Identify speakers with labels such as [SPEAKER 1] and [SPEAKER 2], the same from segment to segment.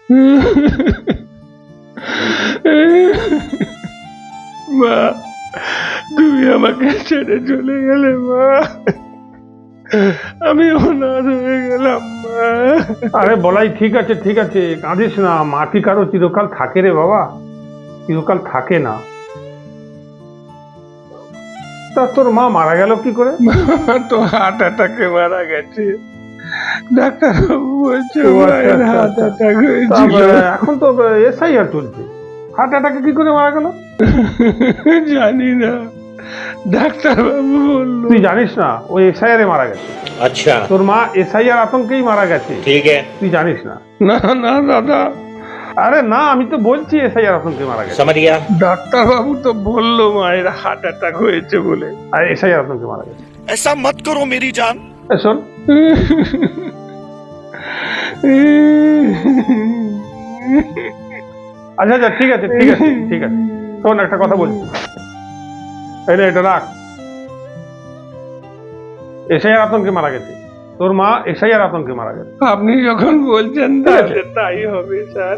[SPEAKER 1] মা, তুমি আমাকে ছেড়ে চলে গেলে মা, আমি অনাথ হয়ে গেলাম মা।
[SPEAKER 2] আরে বলাই ঠিক আছে ঠিক আছে, কাঁদিস না। মাটি কারো চিরকাল থাকে রে বাবা, চিরকাল থাকে না। তা তোর মা মারা গেল কি করে?
[SPEAKER 1] তো হার্ট অ্যাটাকে মারা গেছে, ডাক্তারবাবু বলছে মায়ের হার্ট অ্যাটাক হয়েছিল।
[SPEAKER 2] এখন তো এসআইআর চলছে, হার্ট অ্যাটাকে কি করে মারা গেল?
[SPEAKER 1] জানি না, ডাক্তারবাবু বলল।
[SPEAKER 2] তুই জানিস না ওই এসআইআর এ মারা গেছে?
[SPEAKER 3] अच्छा,
[SPEAKER 2] তোর মা এসআইআর আতঙ্কেই মারা গেছে।
[SPEAKER 3] ठीक है,
[SPEAKER 2] তুই জানিস না?
[SPEAKER 1] না না দাদা,
[SPEAKER 2] আরে না, আমি তো বলছি এসআইআর আতঙ্কে মারা গেছে।
[SPEAKER 3] समझ गया।
[SPEAKER 1] ডাক্তারবাবু তো বললো মায়ের হার্ট অ্যাটাক হয়েছে বলে।
[SPEAKER 2] আর এসআইআর আতঙ্কে মারা গেছে।
[SPEAKER 4] ऐसा मत करो मेरी जान।
[SPEAKER 2] শোন, আচ্ছা আচ্ছা ঠিক আছে ঠিক আছে ঠিক আছে, শোন একটা কথা বলছি, এটা রাখ। এসআইআর আতঙ্কে মারা গেছে, তোর মা এসআইআর আতঙ্কে মারা গেছে।
[SPEAKER 1] আপনি যখন বলছেন তাহলে তাই হবে স্যার।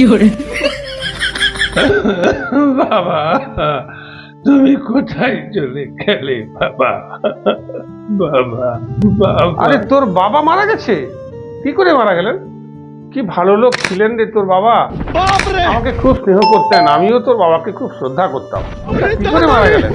[SPEAKER 1] বাবা, তুমি কোথায় চলে গেলে বাবা? বাবা বাবা,
[SPEAKER 2] আরে তোর বাবা মারা গেছে? কি করে মারা গেলেন? কি ভালো লোক ছিলেন রে তোর বাবা, আমাকে খুব স্নেহ করতেন, আমিও তোর বাবাকে খুব শ্রদ্ধা করতাম। কি করে মারা গেলেন?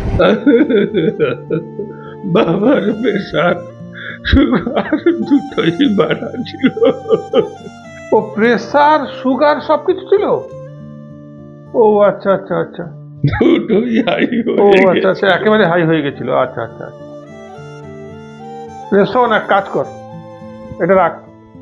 [SPEAKER 1] বাবার প্রেশার সুগার দুটোই বাড়া ছিল।
[SPEAKER 2] ও প্রেসার সুগার সবকিছু ছিল? ও আচ্ছা আচ্ছা আচ্ছা,
[SPEAKER 1] দুটোই হাই
[SPEAKER 2] ও
[SPEAKER 1] হয়ে
[SPEAKER 2] আচ্ছা আচ্ছা, একেবারে হাই হয়ে গেছিল। আচ্ছা আচ্ছা, শোন এক কাজ কর, এটা রাখ।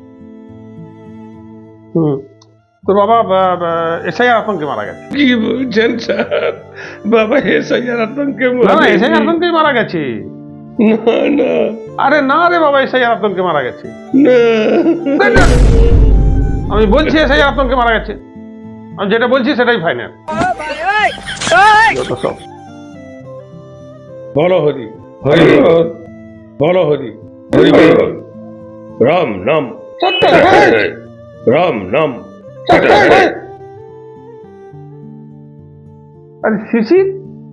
[SPEAKER 2] তোর বাবা এসআইআর আতঙ্কে মারা গেছে।
[SPEAKER 1] কি বলছেন স্যার? বাবা এসআইআর আতঙ্কে
[SPEAKER 2] না না, এসআইআর আতঙ্কেই মারা গেছে।
[SPEAKER 1] না না
[SPEAKER 2] আরে না রে বাবা, এসআইআর আতঙ্কে মারা গেছে।
[SPEAKER 1] না,
[SPEAKER 2] আমি বলছি এসআইআর আতঙ্কে মারা গেছে, আমি যেটা বলছি সেটাই ফাইনাল। সব
[SPEAKER 1] বলো হরি হরি বল, বলো হরি হরি বল, রাম নাম রাম নাম।
[SPEAKER 2] আরে শিশির,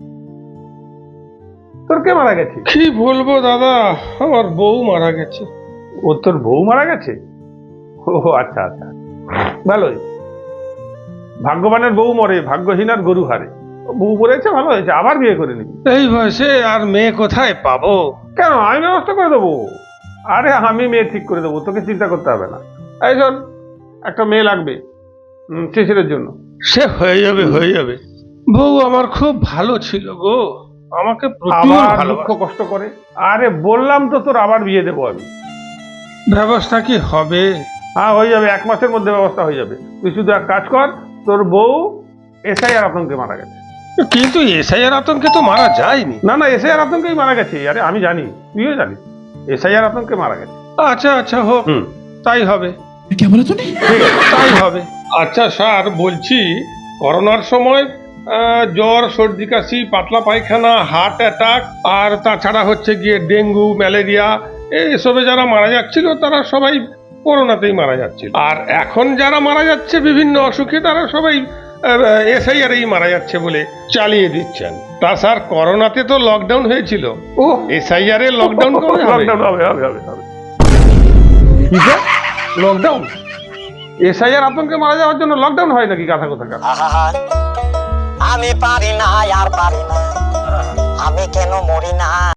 [SPEAKER 2] তোর কে মারা গেছে?
[SPEAKER 1] কি বলবো দাদা, আমার বউ মারা গেছে।
[SPEAKER 2] ও তোর বউ মারা গেছে? ও আচ্ছা আচ্ছা, ভালোই। ভাগ্যবানের বউ মরে, ভাগ্যহীনার গরু হারে। বউ মরেছে, ভালো হয়েছে, আবার বিয়ে করে নিবি।
[SPEAKER 1] এই বয়সে আর মেয়ে কোথায় পাবো?
[SPEAKER 2] কেন, আমি ব্যবস্থা করে দেবো। আরে আমি মেয়ে ঠিক করে দেবো, তোকে চিন্তা করতে হবে না। এই শোন, একটা মেয়ে লাগবে শিশিরের জন্য।
[SPEAKER 1] সে হয়ে যাবে হয়ে যাবে। বউ আমার খুব ভালো ছিল গো, আমাকে প্রচুর
[SPEAKER 2] আবার
[SPEAKER 1] ভালো।
[SPEAKER 2] দুঃখ কষ্ট করে। আরে বললাম তো তোর আবার বিয়ে দেবো আমি।
[SPEAKER 1] ব্যবস্থা কি হবে?
[SPEAKER 2] হ্যাঁ হয়ে যাবে, 1 মাসের মধ্যে ব্যবস্থা হয়ে যাবে। তুই শুধু এক কাজ কর, তোর বউ এসআইআর আতঙ্কে মারা গেছে।
[SPEAKER 1] কিন্তু এসআইআর আতঙ্কে তো মারা যায়নি।
[SPEAKER 2] না না, এসআইআর আতঙ্কেই মারা গেছে। আরে আমি জানি, তুইও জানিস, এসআইআর আতঙ্কে মারা গেছে।
[SPEAKER 1] আচ্ছা আচ্ছা হোক,
[SPEAKER 2] হুম,
[SPEAKER 1] তাই হবে।
[SPEAKER 2] ঠিক আছে।
[SPEAKER 1] তাই হবে। আচ্ছা স্যার, বলছি করোনার সময় জ্বর, সর্দি কাশি, পাতলা পায়খানা, হার্ট অ্যাটাক, আর তাছাড়া হচ্ছে গিয়ে ডেঙ্গু, ম্যালেরিয়া, এসবে যারা মারা যাচ্ছিল তারা সবাই করোনাতেই মারা যাচ্ছিল। আর এখন যারা মারা যাচ্ছে বিভিন্ন অসুখে, তারা সবাই এসআইআরেই মারা যাচ্ছে বলে চালিয়ে দিচ্ছেন। তা স্যার, করোনাতে তো লকডাউন হয়েছিল,
[SPEAKER 2] ও
[SPEAKER 1] এসআইআর এর লকডাউন কবে হবে?
[SPEAKER 2] লকডাউন হবে হবে হবে হবে। লকডাউন? এসআইআর আতঙ্কে মারা যাওয়ার জন্য লকডাউন হয় নাকি? কথা কোথাকার।
[SPEAKER 5] আমি পারি না আর পারি না, আমি কেন মরি না।